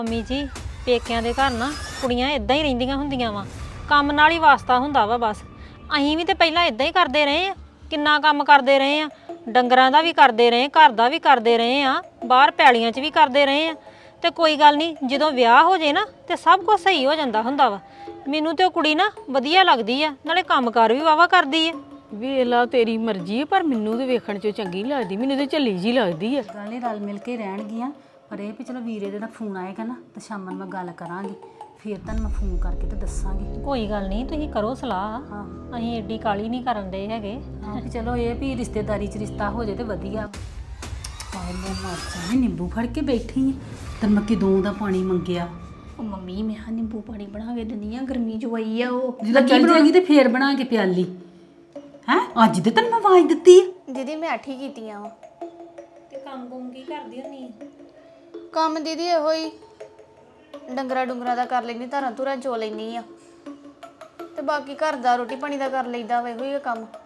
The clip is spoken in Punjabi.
ਮੰਮੀ ਜੀ ਪੇਕਿਆਂ ਦੇ ਘਰ ਨਾ ਕੁੜੀਆਂ ਇਦਾਂ ਹੀ ਰਹਿੰਦੀਆਂ ਹੁੰਦੀਆਂ ਵਾ ਕੰਮ ਨਾਲ ਹੀ ਵਾਸਤਾ ਹੁੰਦਾ ਵਾ ਬਸ। ਅਸੀਂ ਵੀ ਤੇ ਪਹਿਲਾਂ ਇਦਾਂ ਹੀ ਕਰਦੇ ਰਹੇ ਆ, ਕਿੰਨਾ ਕੰਮ ਕਰਦੇ ਰਹੇ ਆ, ਡੰਗਰਾਂ ਦਾ ਵੀ ਕਰਦੇ ਰਹੇ, ਘਰ ਦਾ ਵੀ ਕਰਦੇ ਰਹੇ ਆ, ਬਾਹਰ ਪੈਲੀਆਂ 'ਚ ਵੀ ਕਰਦੇ ਰਹੇ ਆ। ਤੇ ਕੋਈ ਗੱਲ ਨਹੀਂ, ਜਦੋਂ ਵਿਆਹ ਹੋ ਜੇ ਨਾ ਤੇ ਸਭ ਕੁਝ ਸਹੀ ਹੋ ਜਾਂਦਾ ਹੁੰਦਾ ਵਾ। ਮੈਨੂੰ ਤੇ ਉਹ ਕੁੜੀ ਨਾ ਵਧੀਆ ਲੱਗਦੀ ਆ, ਨਾਲੇ ਕੰਮਕਾਰ ਵੀ ਵਾਵਾ ਕਰਦੀ ਆ। ਵੇਲਾ ਤੇਰੀ ਮਰਜ਼ੀ ਹੈ, ਪਰ ਮੈਨੂੰ ਤੇ ਵੇਖਣ 'ਚ ਚੰਗੀ ਲੱਗਦੀ, ਮੈਨੂੰ ਤੇ ਝੱਲੀ ਜੀ ਲੱਗਦੀ ਆ। ਗੱਲ ਨਹੀਂ, ਰਲ ਮਿਲ ਕੇ ਰਹਿਣਗੀਆਂ। ਪਰ ਇਹ ਵੀ ਚਲੋ ਵੀਰੇ ਦੇ ਨਾਲ ਫੋਨ ਆਏਗਾ ਨਾ ਤੇ ਸ਼ਾਮ ਨੂੰ ਮੈਂ ਗੱਲ ਕਰਾਂਗੀ, ਫਿਰ ਤੁਹਾਨੂੰ ਮੈਂ ਫੋਨ ਕਰਕੇ ਤੇ ਦੱਸਾਂਗੀ। ਕੋਈ ਗੱਲ ਨਹੀਂ, ਤੁਸੀਂ ਕਰੋ ਸਲਾਹ। ਹਾਂ ਅਸੀਂ ਏਡੀ ਕਾਲੀ ਨਹੀਂ ਕਰਨ ਦੇ ਹੈਗੇ। ਹਾਂ, ਵੀ ਚਲੋ ਇਹ ਵੀ ਰਿਸ਼ਤੇਦਾਰੀ 'ਚ ਰਿਸ਼ਤਾ ਹੋ ਜੇ ਤੇ ਵਧੀਆ। ਹਾਏ ਮੈਂ ਮਰ ਜਾਣੀ, ਨਿੰਬੂ ਫੜ ਕੇ ਬੈਠੀ ਆ ਤੇ ਮੈਂ ਕਿਦੋਂ ਦਾ ਪਾਣੀ ਮੰਗਿਆ। ਉਹ ਮੰਮੀ ਮੈਂ ਹਾਂ ਨਿੰਬੂ ਪਾਣੀ ਬਣਾ ਕੇ ਦਿੰਦੀ ਆ, ਗਰਮੀ ਚ ਆਈ ਆ ਉਹ ਜਦੋਂ ਚੱਲ ਜਾਏਗੀ ਤੇ ਫੇਰ ਬਣਾ ਕੇ ਪਿਆਲੀ ਹੈ। ਅੱਜ ਤੇ ਤੈਨੂੰ ਮੈਂ ਆਵਾਜ਼ ਦਿੱਤੀ ਆ। ਦੀਦੀ ਮੈਂ ਅੱਠ ਹੀ ਕੀਤੀਆਂ ਵਾ। ਤੇ ਕੰਮ ਕੁਮ ਕੀ ਕਰਦੀ ਹੁੰਨੀ? ਕੰਮ ਦੀਦੀ ਇਹੋ ਹੀ ਡੰਗਰਾ ਡੁੰਗਰਾ ਦਾ ਕਰ ਲੈਂਦੀ, ਧਾਰਾਂ ਧੁਰਾਂ ਚੋ ਲੈਂਦੀ ਆ, ਤੇ ਬਾਕੀ ਘਰ ਦਾ ਰੋਟੀ ਪਾਣੀ ਦਾ ਕਰ ਲਈਦਾ ਵਾ, ਇਹੋ ਹੀ ਆ ਕੰਮ।